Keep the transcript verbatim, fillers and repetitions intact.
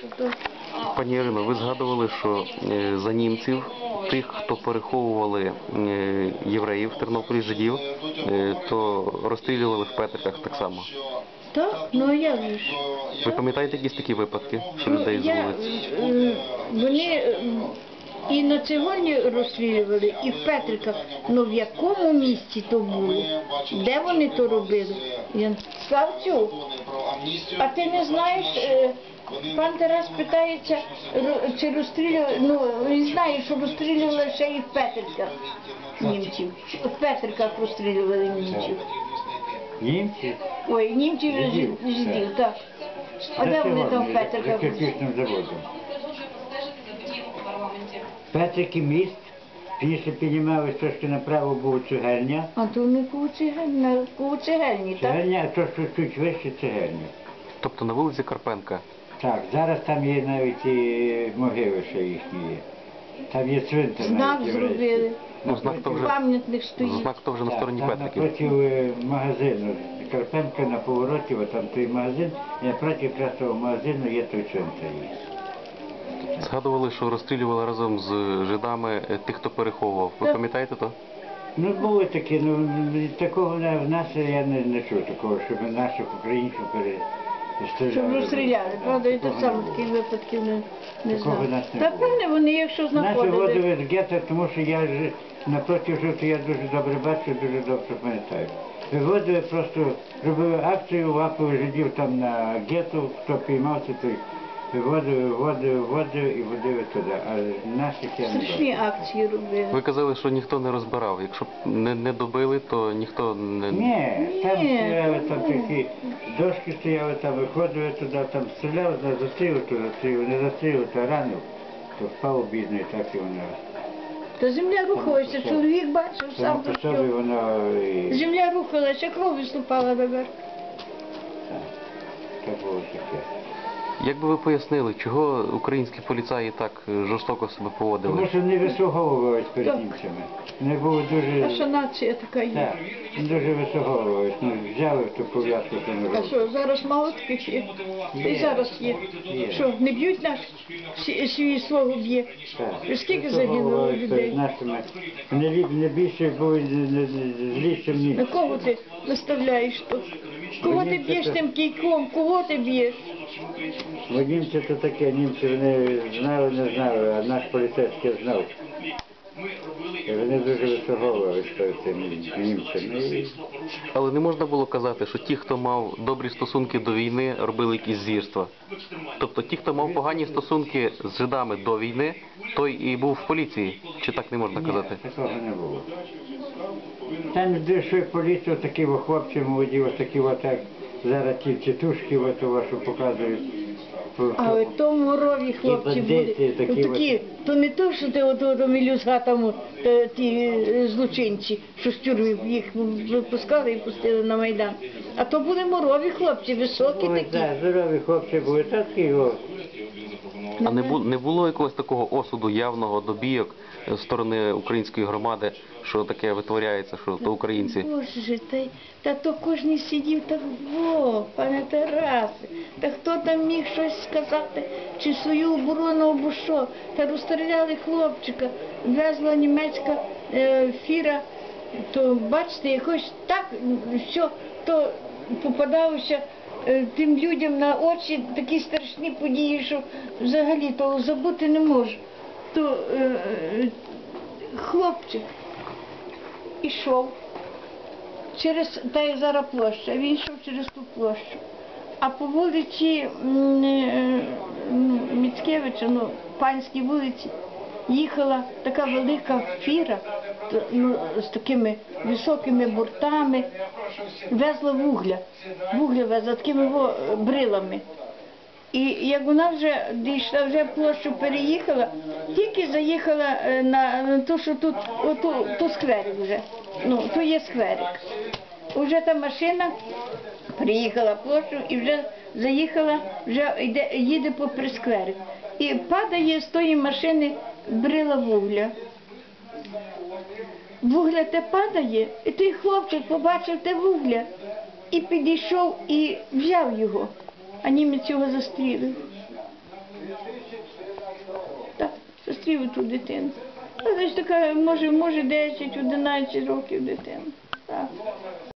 що то. Пані Ірино, ви згадували, що е, за німців, тих, хто переховували е, євреїв в Тернополі, жидів, е, то розстрілювали в Петриках так само. Так? Ну а як же ж? Ви пам'ятаєте якісь такі випадки, що людей з Я, вулиць? е, вони е, і на цегольні розстрілювали, і в Петриках. Ну в якому місці то було? Де вони то робили? Я... Славцю, а ти не знаєш, е, пан Тарас питається, ро- чи розстрілювали, ну він знає, що розстрілювали ще і в Петриках німців. В Петриках розстрілювали німців. Німці? Ой, німців і Жидів, жид- жидів, так. А де вони там в За Петриках? кирпичним заводом. Петрики міст, після піднімались трошки направо був цегельня. А то не куцегельні, куцегельні, так? Цегельня, а то що чуть вище цегельня. Тобто на вулиці Карпенка. Так, зараз там є навіть і могили ще їхні є. Там є цвинтар Знак навіть зробили, єврейський. Ну, знак то вже, пам'ятник стоїть. знак то вже на Так, стороні там Петриків. напроти е, магазину. Карпенка на повороті, от там той магазин, і напроти якраз того магазину є той цвинтар. Згадували, що розстрілювали разом з жидами е, тих, хто переховував. Ви Так. пам'ятаєте то? Ну, було таке, ну, такого не- в нас я не, не чув такого, щоб наших українців перестріляли. Щоб розстріляли, правда, і так Такого само не було. таких випадків не, не Такого знаю. в нас не Та було. певне, вони якщо Наші знаходили. водили з гетто, тому що я ж напроти жовтого я дуже добре бачу, дуже добре пам'ятаю. Виводили просто, робили акцію, лапили жидів там на гетто, хто піймався, той виводили, виводили, виводили і водили туди. А наших я не Страшні бачу. акції робили. Ви казали, що ніхто не розбирав. Якщо б не, не добили, то ніхто не... Ні, там Ні. стояли, там такі дошки стояли, там виходили туди, там стріляли, застрілив, то застрілив, не застрілив, то ранив, то впав бідний, так і воно. Та земля рухалася, чоловік бачив Само сам по то собі що. воно і... Земля рухалася, кров виступала наверх. Так було таке. Як би ви пояснили, чого українські поліцаї так е, жорстоко себе поводили? Тому що не висоговувались перед Так. німцями. Вони були Наша дуже... нація така є. Так, дуже висоговувались. Ну, взяли ту пов'язку, що не А робили. що, зараз мало таких є? Та й Є. зараз є. Є. Що, не б'ють нас? Всі- Свій свого б'є. Так. Скільки загинуло Висоговувались людей? перед нашими. Вони ліп- не більше були не- не- не- зліші в На німців. кого ти наставляєш то? Кого ти б'єш тим кійком? Кого ти б'єш? Бо німці то таке, німці вони знали, не знали, а наш поліцейський знав. І вони дуже висоговувались перед цими німцями. І Але не можна було казати, що ті, хто мав добрі стосунки до війни, робили якісь звірства. Тобто ті, хто мав погані стосунки з жидами до війни, той і був в поліції. Чи так не можна казати? Ні, такого не було. Там дійшли поліцію, такі о, хлопці молоді, ось такі отак, зараз ті тітушки, от у вашу показують. А от то морові хлопці бандити були. такі Ну, такі, то не то, що ти от, от, мілюзга там, от, е, ті е, злочинці, що з тюрми їх випускали і пустили на Майдан. А то були морові хлопці, високі Ось, такі. так, здорові хлопці були такі, о. А не було, не було якогось такого осуду явного до бійок з сторони української громади, що таке витворяється, що то українці? Боже, та, й- та то кожен сидів так, во, пане Тарасе, та хто там міг щось сказати, чи свою оборону або що, та розстріляли хлопчика, везла німецька е, фіра, то бачите, якось так, що то попадалося е, тим людям на очі такі страшні події, що взагалі того забути не можу. То е, е, хлопчик ішов через, та й зараз площа, він йшов через ту площу. А по вулиці м, е, ну, Міцкевича, ну, панській вулиці, їхала така велика фіра т- ну, з такими високими бортами, везла вугля, вугля везла такими во, брилами. І як вона вже дійшла, вже площу переїхала, тільки заїхала е, на, на те, що тут, оту, то скверик вже, ну, то є скверик. Уже та машина приїхала площу і вже заїхала, вже йде, їде попри скверик. І падає з тої машини брила вугля. Вугля те падає, і той хлопчик побачив те вугля і підійшов і взяв його, а німець його застрілив. зустрів ту дитину. Вона ж така, може, може десять-одинадцять років дитина. Так.